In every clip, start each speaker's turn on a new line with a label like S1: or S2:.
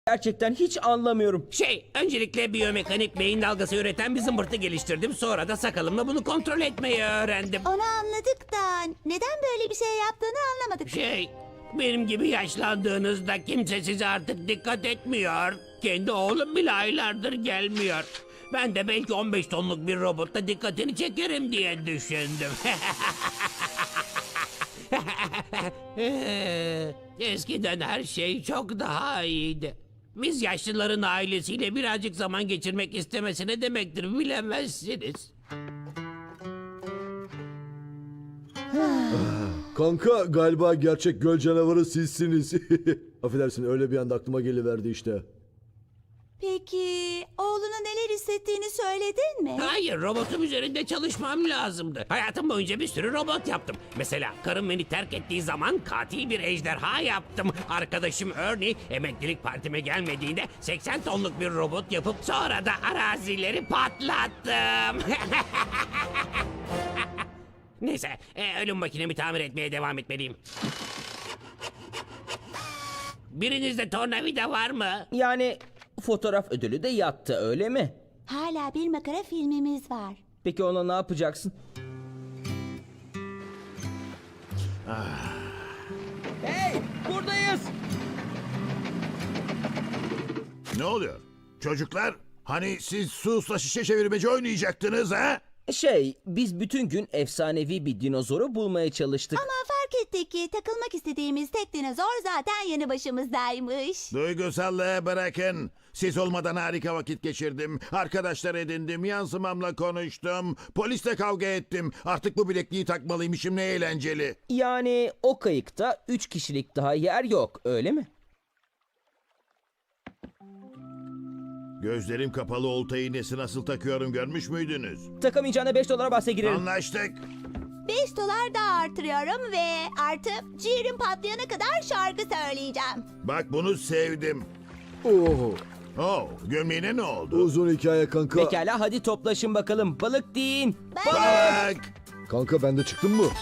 S1: Gerçekten hiç anlamıyorum.
S2: Öncelikle biyomekanik beyin dalgası üreten bir zımbırtı geliştirdim. Sonra da sakalımla bunu kontrol etmeyi öğrendim.
S3: Onu anladık da neden böyle bir şey yaptığını anlamadık.
S2: Benim gibi yaşlandığınızda kimse size artık dikkat etmiyor. Kendi oğlum bile aylardır gelmiyor. Ben de belki 15 tonluk bir robotla dikkatini çekerim diye düşündüm. Eskiden her şey çok daha iyiydi. Biz yaşlıların ailesiyle birazcık zaman geçirmek istemesi ne demektir bilemezsiniz.
S4: Kanka galiba gerçek göl canavarı sizsiniz. Affedersin öyle bir anda aklıma geliverdi işte.
S3: Peki oğluna neler hissettiğini söyledin mi?
S2: Hayır, robotum üzerinde çalışmam lazımdı. Hayatım boyunca bir sürü robot yaptım. Mesela karım beni terk ettiği zaman katil bir ejderha yaptım. Arkadaşım Ernie emeklilik partime gelmediğinde 80 tonluk bir robot yapıp sonra da arazileri patlattım. Neyse, ölüm makinemi tamir etmeye devam etmeliyim. Birinizde tornavida var mı?
S1: Yani fotoğraf ödülü de yattı, öyle mi?
S3: Hala bir makara filmimiz var.
S1: Peki ona ne yapacaksın? Hey, buradayız.
S5: Ne oluyor? Çocuklar, hani siz susla şişe çevirmeci oynayacaktınız ha?
S1: Biz bütün gün efsanevi bir dinozoru bulmaya çalıştık.
S3: Ama fark ettik ki takılmak istediğimiz tek dinozor zaten yanı başımızdaymış.
S5: Duygusallığı bırakın. Siz olmadan harika vakit geçirdim. Arkadaşlar edindim, yansımamla konuştum. Polisle kavga ettim. Artık bu bilekliği takmalıymışım, ne eğlenceli.
S1: Yani o kayıkta 3 kişilik daha yer yok, öyle mi?
S5: Gözlerim kapalı olta iğnesi nasıl takıyorum görmüş müydünüz?
S1: Takamayacağına $5 bahse girerim.
S5: Anlaştık.
S3: $5 daha artırıyorum ve artık ciğerim patlayana kadar şarkı söyleyeceğim.
S5: Bak bunu sevdim.
S4: Oo,
S5: Gömleğine ne oldu?
S4: uzun hikaye kanka.
S1: Pekala, hadi toplaşın bakalım. Balık deyin.
S5: Bak!
S4: Kanka ben de çıktım mı?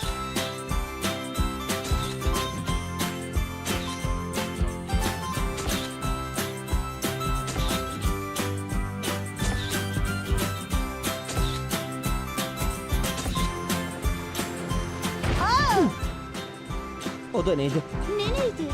S1: O da neydi?
S3: Neydi?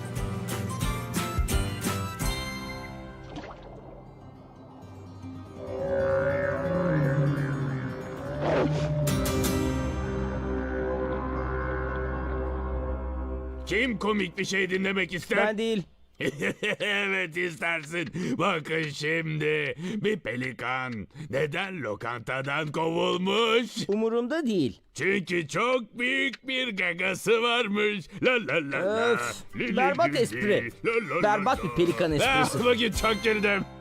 S6: Kim komik bir şey dinlemek ister?
S1: Ben değil.
S6: Evet istersin. Bakın şimdi. Bir pelikan neden lokantadan kovulmuş?
S1: Umurumda değil.
S6: Çünkü çok büyük bir gagası varmış. La la la la.
S1: Öf, berbat espri. Berbat bir pelikan esprisi.
S6: Vakit çok girdim.